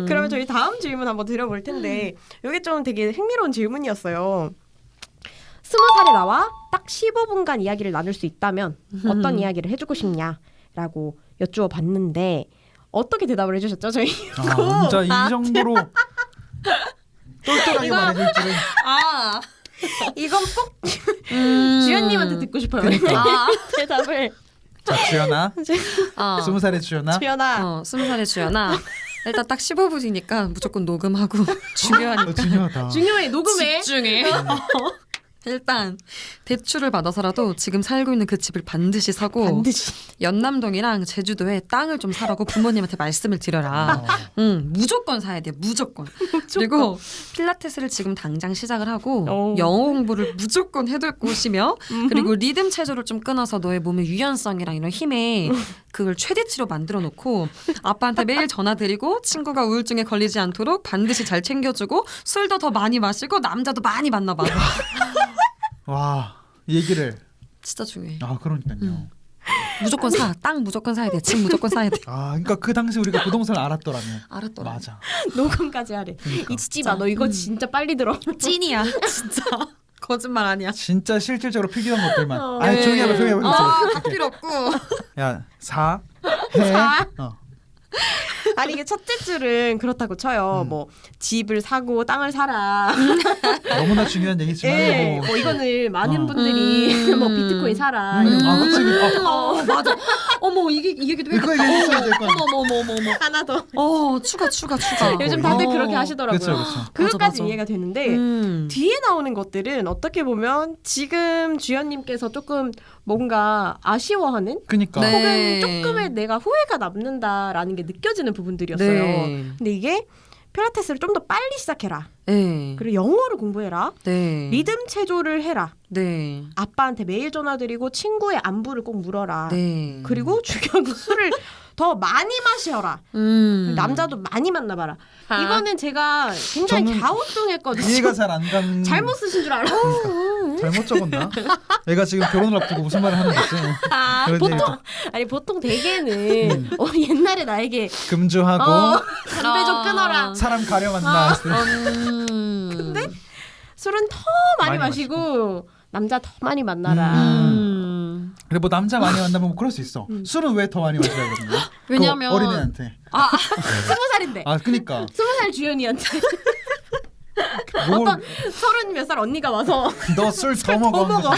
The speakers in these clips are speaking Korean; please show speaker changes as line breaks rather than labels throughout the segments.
그러면 저희 다음 질문 한번 드려볼 텐데 이게 좀 되게 흥미로운 질문이었어요. 20살에 나와 딱 15분간 이야기를 나눌 수 있다면 어떤 이야기를 해주고 싶냐라고 여쭈어 봤는데 어떻게 대답을 해주셨죠? 저희
진짜 이 정도로 똘똘하게 말해줄 줄은.
이건 꼭 주연님한테 듣고 싶어요.
그러니까.
대답을.
자, 주연아. 20살의 주연아.
주연아.
20살의 주연아. 일단 딱 15분이니까 무조건 녹음하고 중요하니까.
중요하다.
중요해. 녹음해.
집중해. 일단 대출을 받아서라도 지금 살고 있는 그 집을 반드시 사고
반드시.
연남동이랑 제주도에 땅을 좀 사라고 부모님한테 말씀을 드려라. 무조건 사야 돼. 무조건. 그리고 필라테스를 지금 당장 시작을 하고 영어 공부를 무조건 해둘 곳이며 그리고 리듬 체조를 좀 끊어서 너의 몸의 유연성이랑 이런 힘에 그걸 최대치로 만들어 놓고 아빠한테 매일 전화드리고 친구가 우울증에 걸리지 않도록 반드시 잘 챙겨주고 술도 더 많이 마시고 남자도 많이 만나봐.
와, 이 얘기를.
진짜 중요해.
그러니까요.
무조건 사. 땅 무조건 사야 돼. 집 무조건 사야 돼.
그러니까 그 당시 우리가 부동산을 알았더라면.
알았더라.
맞아.
녹음까지 하래.
그러니까.
잊지 마. 너 이거 진짜 빨리 들어.
찐이야. 진짜. 거짓말 아니야.
진짜 실질적으로 필기한 것들만.
네.
조용히 해봐, 조용히 해봐.
딱 필요 없고.
야, 사, 해.
아니 이게 첫째 줄은 그렇다고 쳐요. 뭐 집을 사고 땅을 사라.
너무나 중요한 얘기지만.
예, 뭐 이거는 많은 분들이 뭐 비트코인 사라. 이런 거.
그치.
맞아. 어머 이 얘기도
이거 얘기했어야 될 거야.
어머.
하나 더.
추가.
요즘 다들 그렇게 하시더라고요.
그쵸.
그것까지
맞아.
이해가 되는데 뒤에 나오는 것들은 어떻게 보면 지금 주연님께서 조금 뭔가 아쉬워하는
그니까.
네.
혹은 조금의 내가 후회가 남는다라는 게 느껴지는 부분들이었어요.
네.
근데 이게 필라테스를 좀 더 빨리 시작해라.
네.
그리고 영어를 공부해라.
네.
리듬 체조를 해라.
네.
아빠한테 매일 전화드리고 친구의 안부를 꼭 물어라.
네.
그리고 중요한 건 술을 더 많이 마셔라. 남자도 많이 만나봐라. 이거는 제가 굉장히
저는
갸우뚱했거든요.
이해가 잘 안 가는.
잘못 쓰신 줄 알아.
잘못 적었나? 애가 지금 결혼을 앞두고 무슨 말을 하는 거지? 그런
보통
얘기죠.
아니 보통 대개는 옛날에 나에게
금주하고
담배 좀 끊어라.
사람 가려 만나.
근데 술은 더 많이 마시고 남자 더 많이 만나라.
그래 뭐 남자 많이 만나면 뭐 그럴 수 있어. 술은 왜 더 많이 마셔야 되는
왜냐면
어린애한테.
20살인데.
그니까.
20살 주연이한테
뭘,
어떤 30몇 살 언니가 와서
너 술 더 먹어.
먹어.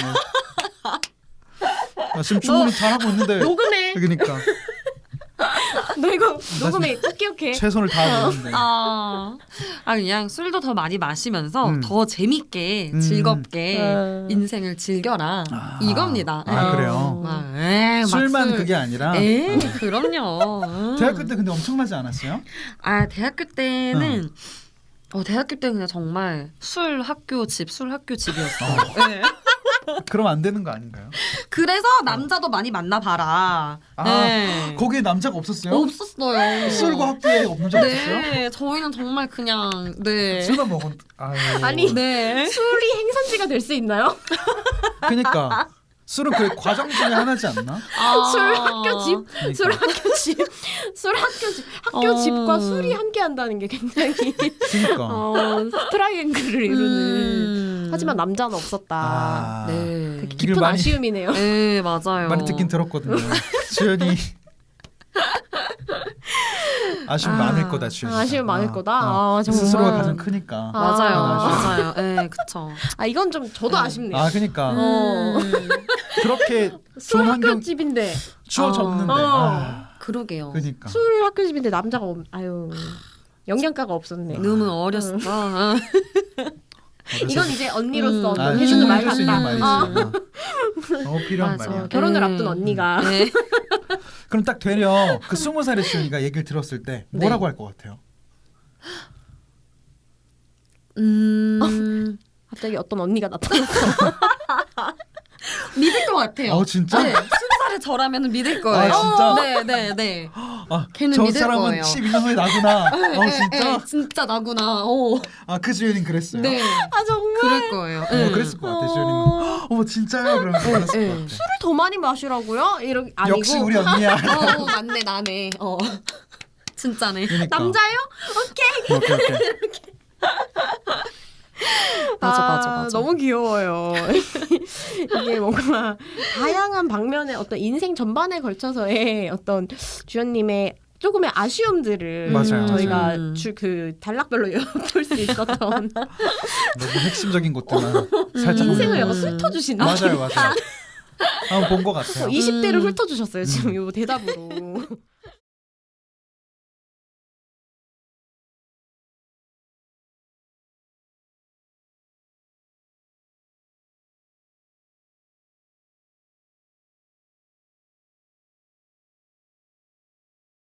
지금 주문을 잘하고 있는데.
녹음해.
그러니까
너 이거 녹음해. 꼭 기억해.
최선을 다하고 있는데.
그냥 술도 더 많이 마시면서 더 재밌게 즐겁게 인생을 즐겨라 이겁니다.
그래요. 술만 그게 아니라.
그럼요.
대학교 때 근데 엄청나지 않았어요?
대학교 때는 대학교 때 그냥 정말 술 학교 집이었어요. 네.
그러면 안 되는 거 아닌가요?
그래서 남자도 많이 만나봐라.
거기에 남자가 없었어요?
없었어요.
술과 학교에 남자가 없었어요?
네, 저희는 정말 그냥
술만 먹은.
아니
네.
술이 행선지가 될 수 있나요?
그러니까 술은 그 과정 중에 하나지 않나?
술 학교 집,
그러니까.
술 학교 집, 술 학교 집, 학교 집과 술이 함께 한다는 게 굉장히
그러니까.
트라이앵글을 이루는. 하지만 남자는 없었다.
네.
깊은 아쉬움이네요.
네, 맞아요.
많이 듣긴 들었거든요. 주연이 아쉬움 많을 거다. 주연이.
아쉬움 많을 거다. 정말.
스스로가 가장 크니까.
맞아요. 네, 그쵸.
이건 좀 저도 아쉽네요.
그러니까 그렇게
술
좋은
학교
환경
집인데
주어졌는데.
그러게요.
그러니까.
술 학교 집인데 남자가 영양가가 없었네.
너무 어렸어.
이건 이제 언니로서
해주는
해주는 말
수 있는
같다.
말이지. 너무 필요한 말이야.
결혼을 앞둔 언니가.
그럼 딱 되려 그 20살의 주연이가 얘기를 들었을 때 뭐라고 할 것 같아요?
갑자기 어떤 언니가 나타났어.
믿을 것 같아요.
진짜?
네, 20살의 저라면 믿을 거예요.
진짜?
네. 걔는
저
믿을
사람은
거예요.
12년 후에 나구나. 진짜?
진짜 나구나.
그 주연이는 그랬어요?
네.
정말.
그럴 거예요.
그랬을 것 같아. 주연이는. 어머 진짜요? 그러면 그랬을 것 같아.
술을 더 많이 마시라고요? 아니고.
역시 우리 언니야.
맞네 나네. 진짜네.
그러니까.
남자요?
오케이.
맞아.
너무 귀여워요. 이게 뭔가 다양한 방면의 어떤 인생 전반에 걸쳐서의 어떤 주연님의 조금의 아쉬움들을
맞아요.
저희가
맞아요.
그 단락별로 엿볼 수 있었던
너무 핵심적인 것들만 살짝
인생을
보는
약간
거.
훑어주시는
맞아요. 한번 본 것 같아요.
20대를 훑어주셨어요. 지금 이 대답으로.